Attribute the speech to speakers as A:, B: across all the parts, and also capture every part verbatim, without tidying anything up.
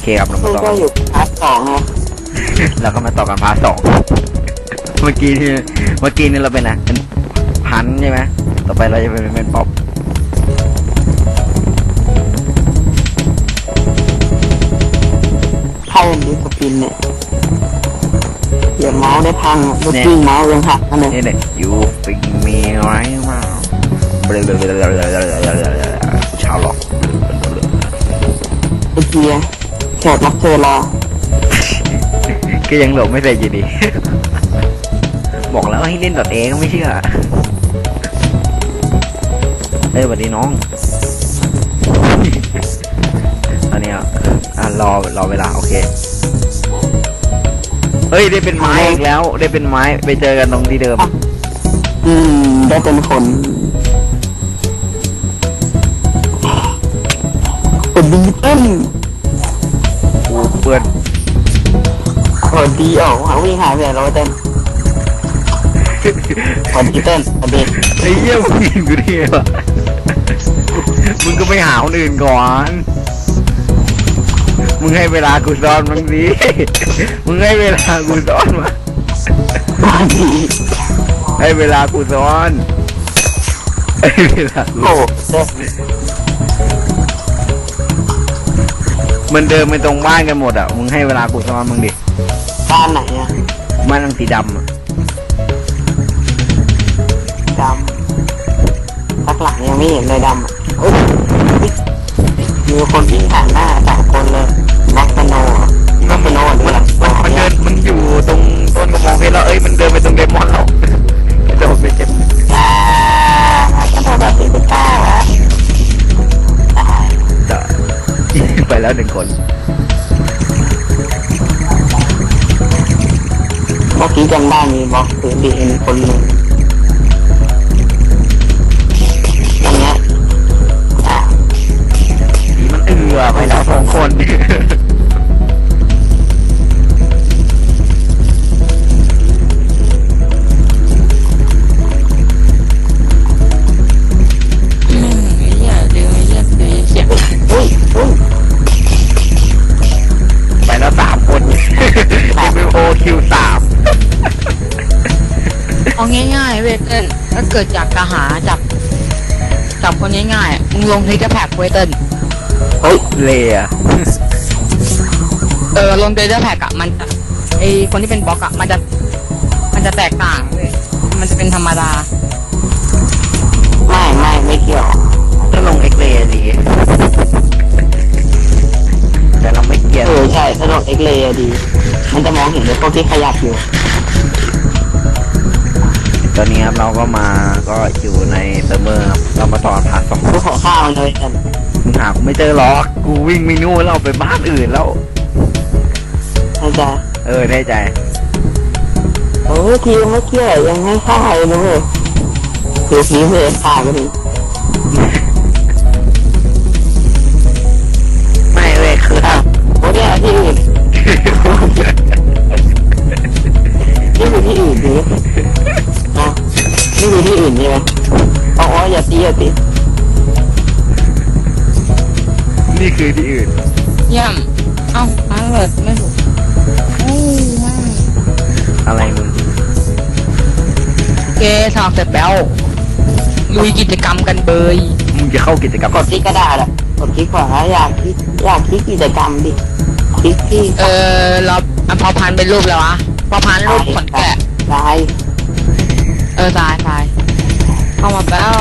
A: เคครับเรา
B: มั
A: มาน ต่อ
B: ก็
A: กัน
B: อยู่พาร์ทสองนะ
A: เราก็มาต่อกันพาร์ทสองเมื่อกี้ที่เมื่อกี้นี่เราเป็นอะเป็นพันใช่ไหมต่อไปเราจะเป็นเป็นป๊อป
B: ใครเป็นดิสปินเนี่ยเดี๋ยวเมาส์ได้พังลูกกิ้งเมาส์ยังหักนั่นเลย
A: นี่เนี่ย you think me right now ชาวหลอก
B: ไอเกียร์แขกรับเชิญรอ
A: ก็ยังหลบไม่เสร็จอยู่ดี บอกแล้วให้เล่นดอทเอก็ไม่เชื่อเอ้ยสวัสดีน้อง ตอนนี้อ่ะรอรอเวลาโอเคเฮ้ยได้เป็นไม้อีกแล้วได้เป็นไม้ไปเจอกันตรงที่เดิม
B: อืมได้เป็นคนเป็นดีเต้น
A: กูเพื่อน
B: โอ้ดีออกหาวิ่งหายไปไหนเราเต้นคนดีเต้นคนดี
A: ไอ้เหี้ยมึงยิงกูดิวะมึงก็ไม่หาคนอื่นก่อนมึงให้เวลากูซ้อนมึงสิมึงให้เวลากูซ้อนมา
B: คนดี
A: ให้เวลากูซ้อนให้เวลากู
B: โอ้เต้น
A: มันเดินไปตรงบ้านกันหมดอ่ะมึงให้เวลากูซ้อนมึงดิ
B: บ้านไหนอะ
A: บ้านทางสีดำอ่ะ
B: ดำสักหลังยังไม่เห็นเลยดำอะโอ้ยมีคนวิ่งผ่านหน้าสองคนเลยนักสโนว์นักสโนว์
A: มัน
B: ด้วย
A: มันมันเดินมันอยู่ตรงต้นกระมองเพชรแล้วเอ้ยมันเดินไปตรงเดมอนแล้วกระโดดไปเจ็บ
B: อ่ากระโดดแบบสี่สิบเก้าอะตาย
A: จะไปแล้วหนึ่งคน
B: เมื่อกี้จำได้มีบล็อกถือดีเอ็นคนหนึ่งตรงเนี้ยอ่ะ
A: ผีมันเอือไปแล้วสองคน
B: อุ้ยอุ้ย
A: ไปแล้วสามคน เอ็ม โอ คิว สาม
C: เอาง่ายๆเว้ยเติ้ลถ้าเกิดอยากจะหาจับจับคนง่ายๆมึงลงเทคแพ็กเว้ยเติ้ล
B: เฮ้ย
A: เลีย
C: เออลงเทคแพ็กอะมันจะไอคนที่เป็นบล็อกอะมันจะมันจะแตกต่างเว้ยมันจะเป็นธรรมดา
B: ไม่ไม่ไม่เกี่ยว
A: ถ้าลงเอ็กเลย์ดีแต่เราไม่เกียน
B: เออใช่ถนนเอ็กเลย์ดี มันจะมองเห็นเลยพวกที่ขยับอยู่
A: ตอนนี้ครับเราก็มาก็อยู่ในเซิร์ฟเวอร์ครับเรามาต่อผ่านสอง
B: พวกขอข้าวมันเลยกัน
A: มึงหากูไม่เจอหรอกกูวิ่งไม่นู่นเราไปบ้านอื่นแล้ว
B: เข้าใจ
A: เออได้ใจ
B: โอ้ยทีมเมื่อกี้ยังไม่ฆ่าเลยนะเว้ยคือทีมเลยฆ่ากันดิ
A: ไม่เว้ยคือ
B: อ้าวโอ้ยเนี่ยที่อื่นนี่อยู่ที่อื่นดิอ่ะนี่อยู่ที่อื่นใช่ไหมอ๋ออย่าตีอย่าตี
A: นี่คือที่อื่น
C: เยี่ยมเอ้าอันเลิศไม่ถูกโอ้ยแม่ง
A: อะไรมึง
C: เกสอบเสร็จแล้วลุยกิจกรรมกันเบย
A: มึงจะเข้ากิจกรรม
B: กดที่กระดาษอ่ะกดคลิกขวาอยากคลิกอยากคลิกกิจกรรมดิคลิกที่
C: เออเราอันพอพันเป็นรูปแล้ววะพอพันรูปขนแกะ
B: ลาย
C: เออตายตายเข้ามาแล้ว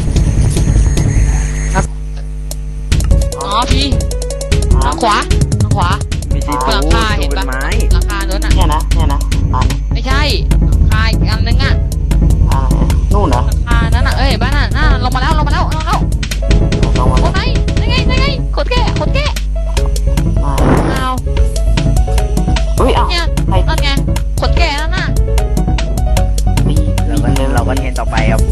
C: ครับอ๋อพี่ทางขวาทางขวา
A: ไม่ใช่
C: หลังคาเห็น
A: เป็
C: ปะ
A: นไม้
C: หลังคารถอ่ะ
B: เนี่ยนะเนี่ยนะอ่า
C: ไม่ใช่หลังคาอีกอันนึงอ่ะ
B: อ่านู่นเหรอ
C: หลังคานั่นอ่ะเอ้ยบ้านน่ะน่าลงมาแล้วลงมาแล้วลงมาแล้ว
B: ลงมา
C: โอ้ไหนนั่นไงนั่นไงขนแกะขนแกะ
B: อ่า
C: เอา
B: อุ้ยอ้าว
C: เนี่ย
B: ใคร
C: นั่นไงขนแกะนั่นน่ะ
B: ปี
A: เราก็เราก็เห็นต่อไปครับ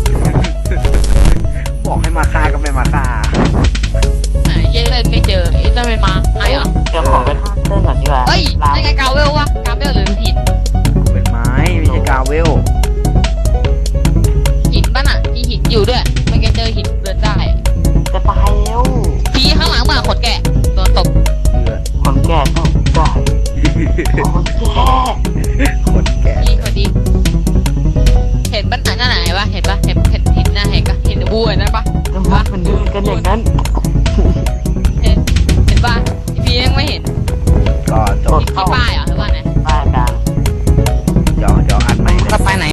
A: บอกให้มาฆ่าก็ไม่มาฆ่า
C: ไหนเย้เลยไม่เจอไอ้จะไม่มาไอ้เหรอ
B: เดี๋ยวขอไปท่าเต้นก่อนดีกว่า
C: เอ้ย
B: ลา
C: นั่นไงกาเวลวะกาเวลหรือหิน
A: เป็นไม้ไม่ใช่กาเวล
C: หินป่ะน่ะมีหินอยู่ด้วยไม่แกเจอหินเดินได้
B: จะตายแล้ว
C: พี่ข้างหลังมาขนแกะโดนตบ
A: เอือ
B: คนแก่มดมันเดินกันอย่างนั้น
C: เห็นเห็นป่ะพี่พียังไม่เห็น
A: ก็จบ
C: ที่ป้ายเหรอหรือว่าไง